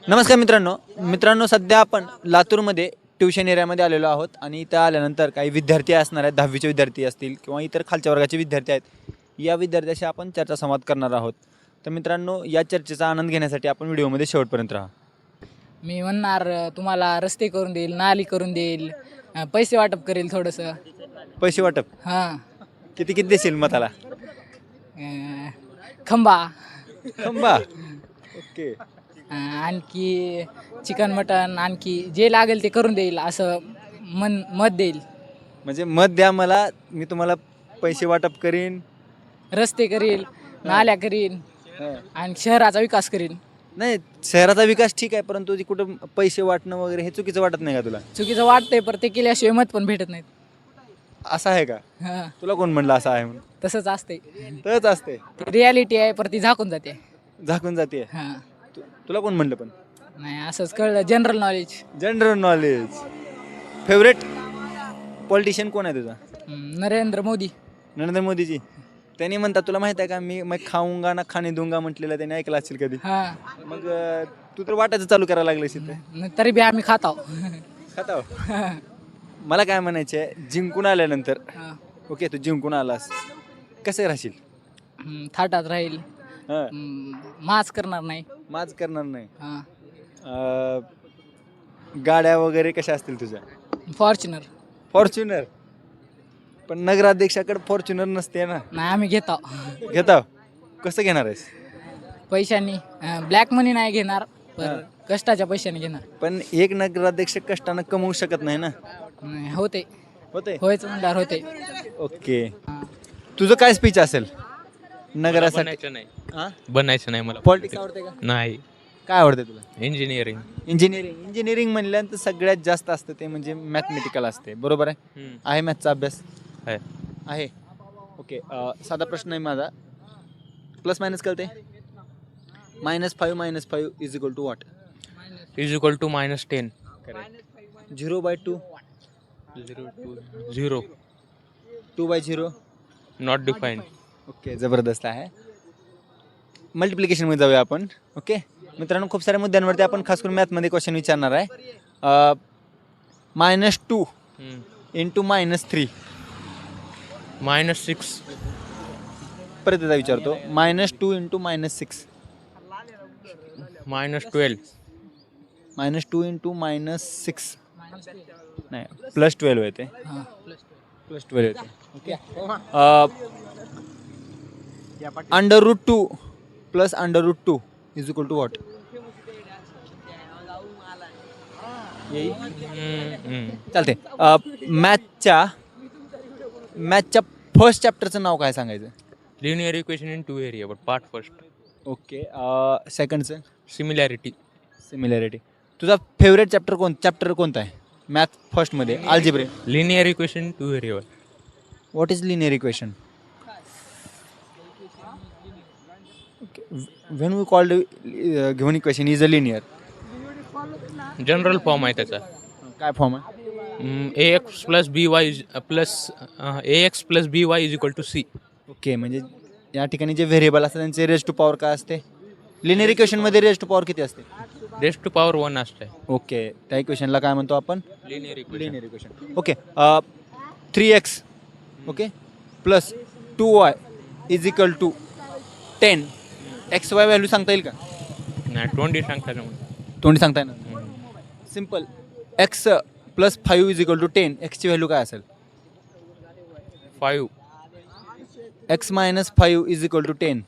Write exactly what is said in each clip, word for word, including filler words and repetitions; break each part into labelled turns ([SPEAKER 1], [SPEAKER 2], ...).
[SPEAKER 1] नमस्कार मित्रांनो मित्रांनो सध्या आपण लातूरमध्ये ट्युशन एरियामध्ये आलेलो आहोत आणि इथं आल्यानंतर काही विद्यार्थी असणार आहेत, दहावीचे विद्यार्थी असतील किंवा इतर खालच्या वर्गाचे विद्यार्थी आहेत. या विद्यार्थ्याशी आपण चर्चासंवाद करणार आहोत. तर मित्रांनो या चर्चेचा आनंद घेण्यासाठी आपण व्हिडिओमध्ये शेवटपर्यंत राहा.
[SPEAKER 2] मी म्हणणार तुम्हाला रस्ते करून देईल, नाली करून देईल, अं, पैसे वाटप करेल थोडंसं.
[SPEAKER 1] पैसे वाटप
[SPEAKER 2] हां
[SPEAKER 1] किती किती देशील मताला?
[SPEAKER 2] अं, खंबा.
[SPEAKER 1] खंबा. ओके.
[SPEAKER 2] अं, आणखी चिकन मटन आणखी जे लागेल ते करून देईल असं मन मत देईल.
[SPEAKER 1] म्हणजे मत द्या मला, मी तुम्हाला पैसे वाटप करीन.
[SPEAKER 2] रस्ते करील, नाल्या करील आणि शहराचा विकास करील.
[SPEAKER 1] नाही, शहराचा विकास ठीक आहे, परंतु ती कुठं पैसे वाटणं वगैरे हे चुकीचं वाटत नाही का तुला?
[SPEAKER 2] चुकीचं वाटतंय पण ते केल्याशिवाय मत पण भेटत नाहीत.
[SPEAKER 1] असं आहे का?
[SPEAKER 2] हां
[SPEAKER 1] तुला कोण म्हणलं असं आहे म्हणून?
[SPEAKER 2] तसंच असते.
[SPEAKER 1] तसंच असते,
[SPEAKER 2] रियालिटी आहे पर ती झाकून जाते.
[SPEAKER 1] झाकून जाते.
[SPEAKER 2] हां
[SPEAKER 1] तुला कोण म्हणलं? पण
[SPEAKER 2] नाही असंच कळलं. General knowledge.
[SPEAKER 1] General knowledge. Favourite politician कोण आहे तुझा?
[SPEAKER 2] नरेंद्र मोदी.
[SPEAKER 1] नरेंद्र मोदीजी. त्यांनी म्हणतात, तुला माहित आहे का, मी मैं खाऊंगा ना खाणे दूंगा म्हटलेलं त्याने ऐकलं असेल कधी?
[SPEAKER 2] हां
[SPEAKER 1] मग अं, तू तर वाटायचं चालू करायला लागलेस इथे.
[SPEAKER 2] न- तरी बी आम्ही खात आहोत.
[SPEAKER 1] खाता. मला काय म्हणायचं आहे, जिंकून आल्यानंतर
[SPEAKER 2] हां.
[SPEAKER 1] ओके तू जिंकून आलास कसं राहशील?
[SPEAKER 2] हम्म, थाटात राहील.
[SPEAKER 1] हां,
[SPEAKER 2] हम्म, माच करणार नाही.
[SPEAKER 1] माज करणार नाही.
[SPEAKER 2] हां.
[SPEAKER 1] अं, गाड्या वगैरे कशा असतील तुझ्या?
[SPEAKER 2] फॉर्च्युनर.
[SPEAKER 1] फॉर्च्युनर. पण नगराध्यक्षाकडे फॉर्च्युनर नसते ना.
[SPEAKER 2] नाही आम्ही घेत आहोत
[SPEAKER 1] घेता. कसं घेणार आहेस?
[SPEAKER 2] पैशांनी. ब्लॅक मनी नाही घेणार
[SPEAKER 1] हां.
[SPEAKER 2] पण कष्टाच्या पैशाने घेणार.
[SPEAKER 1] पण एक नगराध्यक्ष कष्टानं कमवू शकत नाही ना.
[SPEAKER 2] नाही, होते
[SPEAKER 1] होते.
[SPEAKER 2] होयच म्हणल्यावर होते.
[SPEAKER 1] ओके.
[SPEAKER 2] हां.
[SPEAKER 1] तुझं काय स्पीच असेल नगरासाठी?
[SPEAKER 3] बनायचं नाही
[SPEAKER 1] हां,
[SPEAKER 3] बनायचं नाही मला
[SPEAKER 1] पॉलिटिक्स आवडते का?
[SPEAKER 3] नाही.
[SPEAKER 1] काय आवडते तुला?
[SPEAKER 3] इंजिनिअरिंग.
[SPEAKER 1] इंजिनिअरिंग. इंजिनिअरिंग म्हणल्यानंतर सगळ्यात जास्त असतं ते म्हणजे मॅथमेटिकल असते, बरोबर आहे? आहे मॅथचा अभ्यास?
[SPEAKER 3] आहे.
[SPEAKER 1] आहे. ओके. अं, साधा प्रश्न आहे माझा. प्लस मायनस कळते? Minus five minus five is equal to what?
[SPEAKER 3] Is equal to minus ten.
[SPEAKER 1] Zero by two.
[SPEAKER 3] Zero two zero.
[SPEAKER 1] Two by zero.
[SPEAKER 3] Not define.
[SPEAKER 1] Okay, जबरदस्त आहे. मल्टिप्लिकेशनमध्ये जाऊया आपण. ओके मित्रांनो, खूप साऱ्या मुद्द्यांवरती आपण खास करून मॅथमध्ये क्वेश्चन विचारणार आहे. Minus two into minus three.
[SPEAKER 3] Minus six.
[SPEAKER 1] परत एकदा विचारतो. Minus two into minus six.
[SPEAKER 3] Minus twelve.
[SPEAKER 1] Minus two into minus six नाही, प्लस ट्वेल्व येते.
[SPEAKER 2] हां.
[SPEAKER 1] प्लस ट्वेल्व येते. Okay. Under root two plus under root two is equal to what? चालते. मॅथच्या मॅथच्या फर्स्ट चॅप्टरचं नाव काय सांगायचं?
[SPEAKER 3] Linear equation in two area but part first.
[SPEAKER 1] Okay. सेकंडचं?
[SPEAKER 3] सिमिलॅरिटी.
[SPEAKER 1] सिमिलॅरिटी. तुझा फेवरेट चॅप्टर कोण चॅप्टर कोणता आहे मॅथ फर्स्टमध्ये? Algebra.
[SPEAKER 3] Linear equation in two area.
[SPEAKER 1] What is linear equation? When we called given equation is a linear.
[SPEAKER 3] General form आहे त्याचा.
[SPEAKER 1] काय form आहे?
[SPEAKER 3] A X plus B Y plus A X plus B Y is equal to C.
[SPEAKER 1] Okay. म्हणजे या ठिकाणी जे variable असतात त्यांचे रेज टू पॉवर काय असते? लिनियर इक्वेशनमध्ये रेज टू पॉवर किती असते?
[SPEAKER 3] रेस टू पॉवर वन असते.
[SPEAKER 1] ओके. त्या इक्वेशनला काय म्हणतो आपण?
[SPEAKER 3] Linear equation.
[SPEAKER 1] Linear equation. Okay. Three X okay plus two Y is equal to ten. X Y value सांगता येईल का?
[SPEAKER 3] नाही, ट्वेंटी सांगता ना.
[SPEAKER 1] तोंडी सांगता येणार? Simple. X plus five is equal to ten. एक्सची व्हॅल्यू काय असेल?
[SPEAKER 3] Five.
[SPEAKER 1] X minus five is equal to ten.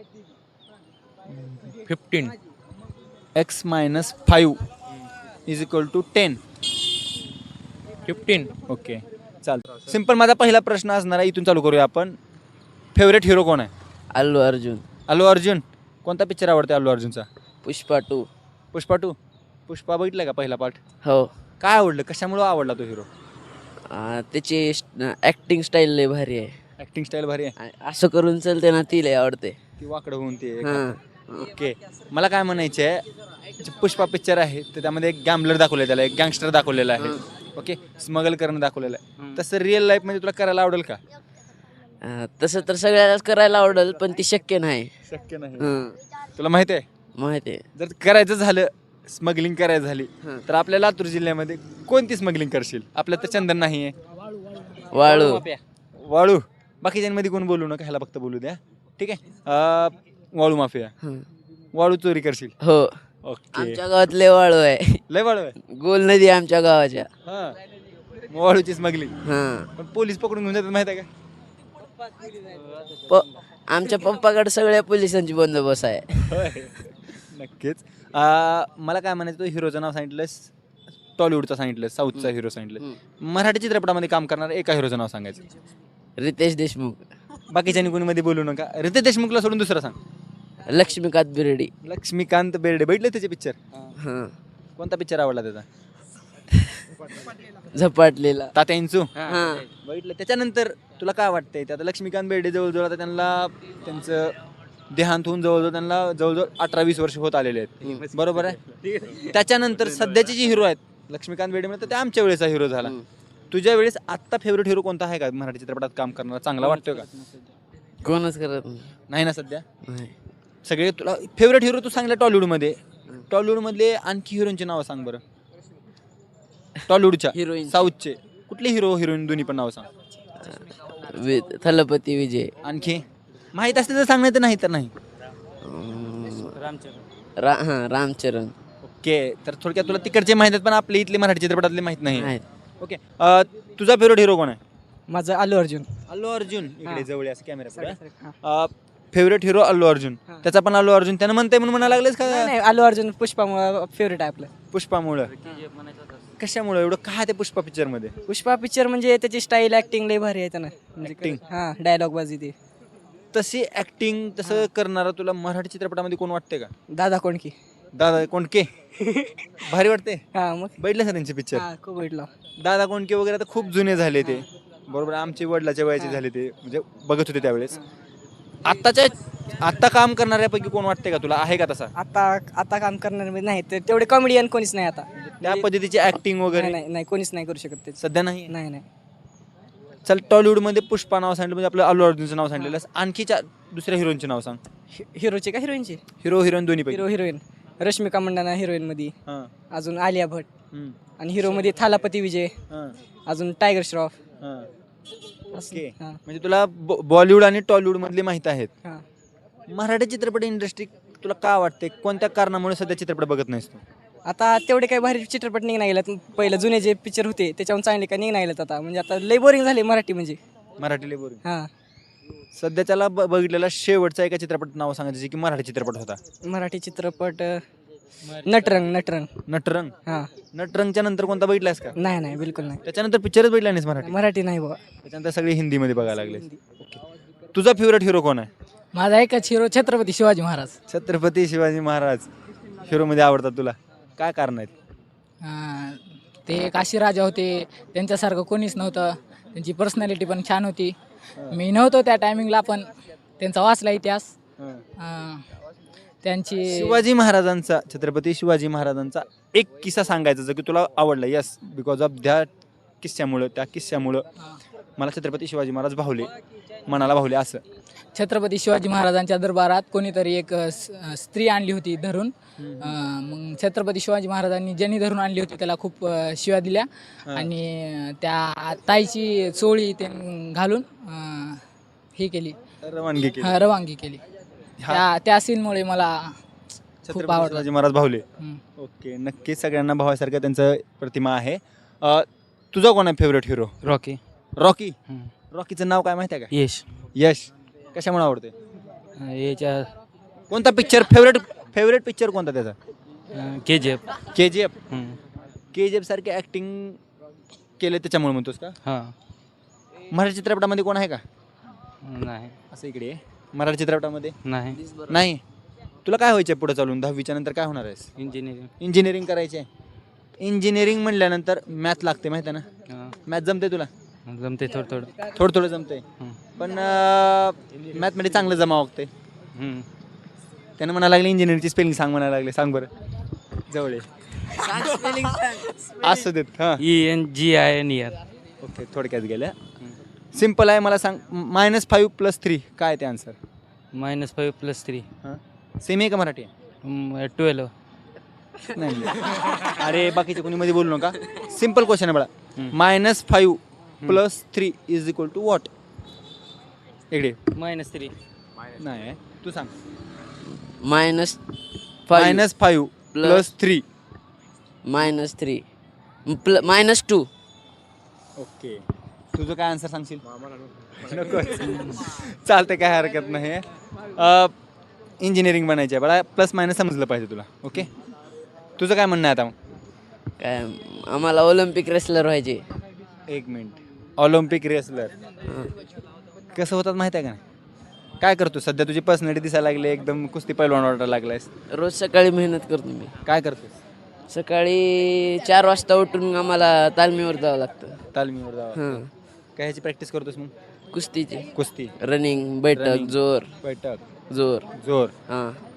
[SPEAKER 3] Fifteen.
[SPEAKER 1] X minus five is equal to ten.
[SPEAKER 3] Fifteen.
[SPEAKER 1] Okay चालतं. सिम्पल. माझा पहिला प्रश्न असणार आहे, इथून चालू करूया आपण. फेवरेट हिरो कोण आहे?
[SPEAKER 4] अल्लू अर्जुन.
[SPEAKER 1] अल्लू अर्जुन. कोणता पिक्चर आवडते अल्लू अर्जुनचा?
[SPEAKER 4] पुष्पा टू.
[SPEAKER 1] पुष्पा टू. पुष्पा बघितला का पहिला पार्ट?
[SPEAKER 4] हो.
[SPEAKER 1] काय आवडलं, कशामुळं आवडला तो हिरो?
[SPEAKER 4] आ, त्याची ॲक्टिंग स्टाईल लय भारी आहे.
[SPEAKER 1] ॲक्टिंग स्टाईल भारी आहे.
[SPEAKER 4] आ- असं करून चलते ना ती लय आवडते.
[SPEAKER 1] ती वाकडं होऊन ते.
[SPEAKER 4] हां.
[SPEAKER 1] ओके. मला काय म्हणायचं आहे, जे पुष्पा पिक्चर आहे तर त्यामध्ये एक गॅम्बलर दाखवलं आहे, त्याला एक गँगस्टर दाखवलेला आहे. ओके. स्मगल करणं दाखवलेलं आहे. तसं रिअल लाईफमध्ये तुला करायला आवडेल का?
[SPEAKER 4] आ, तसं तर सगळ्यालाच करायला आवडेल पण ती शक्य नाही.
[SPEAKER 1] शक्य नाही.
[SPEAKER 4] हं.
[SPEAKER 1] तुला माहिती आहे,
[SPEAKER 4] माहिती आहे.
[SPEAKER 1] जर करायचं झालं स्मगलिंग करायची झाली
[SPEAKER 4] हां.
[SPEAKER 1] तर आपल्या लातूर जिल्ह्यामध्ये कोणती स्मगलिंग करशील? आपल्या तर चंदन नाही आहे,
[SPEAKER 4] वाळू
[SPEAKER 1] वाळू. बाकीच्यांमध्ये कोण बोलू नका, ह्याला फक्त बोलू द्या, ठीक आहे. अं, वाळू माफिया,
[SPEAKER 4] हं.
[SPEAKER 1] वाळू चोरी करशील.
[SPEAKER 4] हो
[SPEAKER 1] ओके,
[SPEAKER 4] आमच्या गावात लय वाळू आहे.
[SPEAKER 1] लय वाळू आहे.
[SPEAKER 4] गोल नदी आहे आमच्या गावाच्या.
[SPEAKER 1] हां, वाळूची स्मगलिंग.
[SPEAKER 4] हां
[SPEAKER 1] पण पोलीस पकडून घेऊन जातात माहिती आहे का?
[SPEAKER 4] प आमच्या पप्पाकडे सगळ्या पोलिसांची बंदोबस्त आहे.
[SPEAKER 1] होय. नक्कीच. अं, मला काय म्हणायचं, तू हिरोचं नाव सांगितलंस, टॉलिवूडचं सांगितलं, साऊथचा हिरो सांगितलं, मराठी चित्रपटामध्ये काम करणार एका हिरोचं नाव सांगायचं.
[SPEAKER 4] रितेश देशमुख,
[SPEAKER 1] बाकीच्या कोणी मध्ये बोलू नका. रितेश देशमुखला सोडून दुसरं सांग.
[SPEAKER 4] लक्ष्मीकांत बिर्डी.
[SPEAKER 1] लक्ष्मीकांत बेर्डे. बघितलं त्याचे पिक्चर?
[SPEAKER 4] हां
[SPEAKER 1] कोणता पिक्चर आवडला त्याचा?
[SPEAKER 4] झपाटलेला.
[SPEAKER 1] तात्या इंचू.
[SPEAKER 4] हां
[SPEAKER 1] बघितलं. त्याच्यानंतर तुला काय वाटतंय, ते आता लक्ष्मीकांत बेर्डे जवळजवळ आता त्यांना त्यांचं देहांत होऊन जवळजवळ त्यांना जवळजवळ अठरा वीस वर्ष होत आलेले आहेत, बरोबर आहे. त्याच्यानंतर सध्याचे जे हिरो आहेत लक्ष्मीकांत बेर्डे म्हणजे ते आमच्या वेळेचा हिरो झाला. तुझ्या वेळेस आत्ता फेवरेट हिरो कोणता आहे का मराठी चित्रपटात काम करणारा, चांगला वाटतोय का?
[SPEAKER 4] कोणच करत नाही.
[SPEAKER 1] नाही ना सध्या?
[SPEAKER 4] नाही.
[SPEAKER 1] सगळे तुला फेवरेट हिरो तू सांगला टॉलिवूडमध्ये, टॉलिवूडमधले आणखी हिरोईनचे नावं सांग बरं. टॉलिवूडच्या,
[SPEAKER 4] हिरोईन
[SPEAKER 1] साऊथचे कुठले हिरो हिरोईन दोन्ही पण नावं सांग.
[SPEAKER 4] वि थलपती विजय.
[SPEAKER 1] आणखी माहीत असते तर सांगणार, तर नाही तर नाही.
[SPEAKER 4] रा हां रामचरण.
[SPEAKER 1] ओके, तर थोडक्यात तुला तिकडचे माहीत आहेत पण आपले इथले मराठी चित्रपटातले माहीत नाही.
[SPEAKER 4] आहेत.
[SPEAKER 1] ओके, अं, तुझा फेवरेट हिरो कोण आहे?
[SPEAKER 2] माझं अल्लू अर्जुन.
[SPEAKER 1] अल्लू अर्जुन. इकडे
[SPEAKER 2] हां.
[SPEAKER 1] जवळ असं कॅमेरा पुढे.
[SPEAKER 2] हां.
[SPEAKER 1] Favourite hero Allu Arjun.
[SPEAKER 2] हां.
[SPEAKER 1] त्याचा पण अल्लू अर्जुन त्यानं म्हणतंय म्हणून म्हणायला लागलेस
[SPEAKER 2] नाही
[SPEAKER 1] का?
[SPEAKER 2] नाही, अल्लू अर्जुन पुष्पामुळं फेवरेट आहे आपलं.
[SPEAKER 1] पुष्पामुळं. कशामुळं एवढं काय ते पुष्पा पिक्चर मध्ये?
[SPEAKER 2] पुष्पा पिक्चर म्हणजे त्याची स्टाईल ऍक्टिंग लय भारी आहे त्यानं. म्हणजे
[SPEAKER 1] Acting?
[SPEAKER 2] हां, डायलॉग बाजी ते.
[SPEAKER 1] तशी ऍक्टिंग तसं करणारा तुला मराठी चित्रपटामध्ये कोण वाटते का?
[SPEAKER 2] दादा कोणकी.
[SPEAKER 1] दादा कोंडके. भारी वाटते.
[SPEAKER 2] हां मग.
[SPEAKER 1] बघितलं का त्यांचे पिक्चर?
[SPEAKER 2] हां खूप भेटला.
[SPEAKER 1] दादा कोंडके वगैरे आता खूप जुने झाले ते, बरोबर. आमचे वडिलाच्या वयाचे झाले ते, म्हणजे बघत होते त्यावेळेस. आत्ताच्या आत्ता काम करणाऱ्यापैकी कोण वाटते का तुला, आहे का तसा?
[SPEAKER 2] आता आता काम करणार नाही तर तेवढे कॉमेडियन कोणीच नाही आता.
[SPEAKER 1] त्या पद्धतीची ऍक्टिंग
[SPEAKER 2] नाही
[SPEAKER 1] वगैरे
[SPEAKER 2] नाही नाही, कोणीच नाही करू शकत ते.
[SPEAKER 1] सध्या नाही.
[SPEAKER 2] नाही नाही.
[SPEAKER 1] चल, टॉलिवूडमध्ये पुष्पा नाव सांगितलं म्हणजे आपलं अल्लू अर्जुनचं नाव सांगितलं, आणखी चार दुसऱ्या हिरोईनचे नाव सांग.
[SPEAKER 2] हि- हिरोचे का हिरोईनचे?
[SPEAKER 1] हिरो हिरोईन दोन्ही पैकी.
[SPEAKER 2] Hero heroine Rashmika Mandanna heroine मध्ये,
[SPEAKER 1] हां.
[SPEAKER 2] अजून आलिया भट,
[SPEAKER 1] हम्म.
[SPEAKER 2] आणि हिरो मध्ये थालापती विजय,
[SPEAKER 1] हां.
[SPEAKER 2] अजून टायगर श्रॉफ.
[SPEAKER 1] हां.
[SPEAKER 2] असं.
[SPEAKER 1] ओके.
[SPEAKER 2] हां.
[SPEAKER 1] म्हणजे तुला बॉ- बॉलिवूड आणि टॉलिवूड मधले माहित आहेत.
[SPEAKER 2] हां.
[SPEAKER 1] मराठी चित्रपट इंडस्ट्री तुला का वाटते, कोणत्या कारणामुळे सध्या चित्रपट बघत नाहीस तू?
[SPEAKER 2] आता तेवढे काही भारी चित्रपट निघ नाही गेलात. पहिलं जुने जे पिक्चर होते त्याच्याहून चांगले काय निघ नाही गेलेत आता. म्हणजे आता लय बोरिंग झाले मराठी म्हणजे.
[SPEAKER 1] मराठी बोरिंग.
[SPEAKER 2] हां.
[SPEAKER 1] सध्याच्याला ब- बघितलेला शेवटचा एका चित्रपट नाव सांगायचं जे की मराठी चित्रपट होता.
[SPEAKER 2] मराठी चित्रपट अं, नटरंग. नटरंग.
[SPEAKER 1] नटरंग.
[SPEAKER 2] हां.
[SPEAKER 1] नटरंगच्या नंतर कोणता बघितलास का?
[SPEAKER 2] नाही नाही बिलकुल नाही.
[SPEAKER 1] त्याच्यानंतर पिक्चरच बघितला नाहीस मराठी?
[SPEAKER 2] मराठी नाही बाबा.
[SPEAKER 1] त्याच्यानंतर सगळे हिंदीमध्ये बघायला लागले. तुझा फेवरेट हिरो कोण आहे?
[SPEAKER 2] माझा एकच हिरो छत्रपती शिवाजी महाराज.
[SPEAKER 1] छत्रपती शिवाजी महाराज हिरोमध्ये आवडतात तुला, काय कारण आहेत?
[SPEAKER 2] अं, ते एक असे राजा होते, त्यांच्यासारखं कोणीच नव्हतं. त्यांची पर्सनॅलिटी पण छान होती. मी नव्हतो त्या टायमिंगला पण त्यांचा वाचला इतिहास. अं, त्यांची
[SPEAKER 1] शिवाजी महाराजांचा, छत्रपती शिवाजी महाराजांचा एक किस्सा सांगायचा जो की तुला आवडला. यस, बिकॉज ऑफ त्या किस्स्यामुळं त्या किस्स्यामुळं मला छत्रपती शिवाजी महाराज भावले, मनाला भावले असं.
[SPEAKER 2] छत्रपती शिवाजी महाराजांच्या दरबारात कोणीतरी एक अ, स- अ, स्त्री आणली होती धरून. अ, मग छत्रपती शिवाजी महाराजांनी ज्यांनी धरून आणली होती त्याला खूप अ, शिव्या दिल्या, आणि त्या ताईची चोळी ते घालून अ, हे केली,
[SPEAKER 1] रवानगी केली.
[SPEAKER 2] हा, रवानगी केली.
[SPEAKER 1] हा.
[SPEAKER 2] त्या त्या सीनमुळे मला खूप
[SPEAKER 1] छत्रपती
[SPEAKER 2] आवडलं.
[SPEAKER 1] शिवाजी महाराज भावले.
[SPEAKER 2] हम्म.
[SPEAKER 1] ओके, नक्कीच सगळ्यांना भावासारखं त्यांचं प्रतिमा आहे. अ, तुझा कोण आहे फेवरेट हिरो?
[SPEAKER 3] रॉकी.
[SPEAKER 1] रॉकी. रॉकीचं नाव काय माहिती आहे का?
[SPEAKER 3] यश.
[SPEAKER 1] यश. कशामुळे आवडते?
[SPEAKER 3] याच्या
[SPEAKER 1] कोणता पिक्चर फेवरेट फेवरेट पिक्चर कोणता त्याचा?
[SPEAKER 3] K G F.
[SPEAKER 1] K G F. K G F सारखे ऍक्टिंग केले त्याच्यामुळे म्हणतोस का?
[SPEAKER 3] हां.
[SPEAKER 1] मराठी चित्रपटामध्ये कोण आहे का
[SPEAKER 3] नाही
[SPEAKER 1] असं? इकडे ये. मराठी चित्रपटामध्ये
[SPEAKER 3] नाही.
[SPEAKER 1] नाही. तुला काय व्हायचं पुढे चालून, दहावीच्या नंतर काय होणार आहेस?
[SPEAKER 3] इंजिनिअरिंग.
[SPEAKER 1] इंजिनिअरिंग करायचे. इंजिनिअरिंग म्हणल्यानंतर मॅथ लागते माहिती आहे ना?
[SPEAKER 3] हां.
[SPEAKER 1] मॅथ जमते तुला?
[SPEAKER 3] जमते थोडं थोडं.
[SPEAKER 1] थोडं थोडं जमते, पण मॅथमध्ये चांगलं जमा वागते.
[SPEAKER 3] हम्म.
[SPEAKER 1] त्यानं म्हणायला लागले इंजिनिअरिंगची स्पेलिंग सांग, म्हणायला लागले. सांग बरं, जवळ ये. असू देत. हां,
[SPEAKER 3] E N G I N year.
[SPEAKER 1] Okay, थोडक्यात गेल्या. सिम्पल आहे. मला सांग, मायनस फाईव्ह प्लस थ्री काय ते answer?
[SPEAKER 3] Minus five plus three.
[SPEAKER 1] हां, सेमी आहे का मराठी आहे?
[SPEAKER 3] ट्वेल्व.
[SPEAKER 1] नाही नाही. अरे बाकीचे कोणी मध्ये बोलू नका. सिम्पल क्वेश्चन आहे बघा. Minus five plus three is equal to what? इकडे
[SPEAKER 5] मायनस थ्री.
[SPEAKER 1] नाही तू सांग.
[SPEAKER 4] Minus five
[SPEAKER 1] minus five plus three.
[SPEAKER 4] Minus three plus minus two.
[SPEAKER 1] Okay तुझं काय आन्सर सांगशील? नको चालतं काय हरकत नाही. इंजिनिअरिंग बनायची आहे बघा. प्लस मायनस समजलं पाहिजे तुला. ओके तुझं काय म्हणणं आहे आता मग?
[SPEAKER 4] काय आम्हाला ऑलिम्पिक रेसलर व्हायचे.
[SPEAKER 1] एक मिनिट. ऑलिम्पिक रेसलर कसं होतात माहिती आहे का नाही? काय करतो सध्या? तुझी पर्सनॅलिटी दिसायला लागली एकदम कुस्ती पैलवान वाटायला लागलायस.
[SPEAKER 4] रोज सकाळी मेहनत करतो मी.
[SPEAKER 1] काय करतोस?
[SPEAKER 4] सकाळी चार वाजता उठून आम्हाला तालमीवर जावं लागतं.
[SPEAKER 1] तालमीवर जावा.
[SPEAKER 4] हां.
[SPEAKER 1] काय ह्याची प्रॅक्टिस करतोस मग?
[SPEAKER 4] कुस्तीची
[SPEAKER 1] कुस्ती,
[SPEAKER 4] रनिंग बैठक
[SPEAKER 1] Running.
[SPEAKER 4] जोर
[SPEAKER 1] बैठक,
[SPEAKER 4] जोर
[SPEAKER 1] जोर.
[SPEAKER 4] हां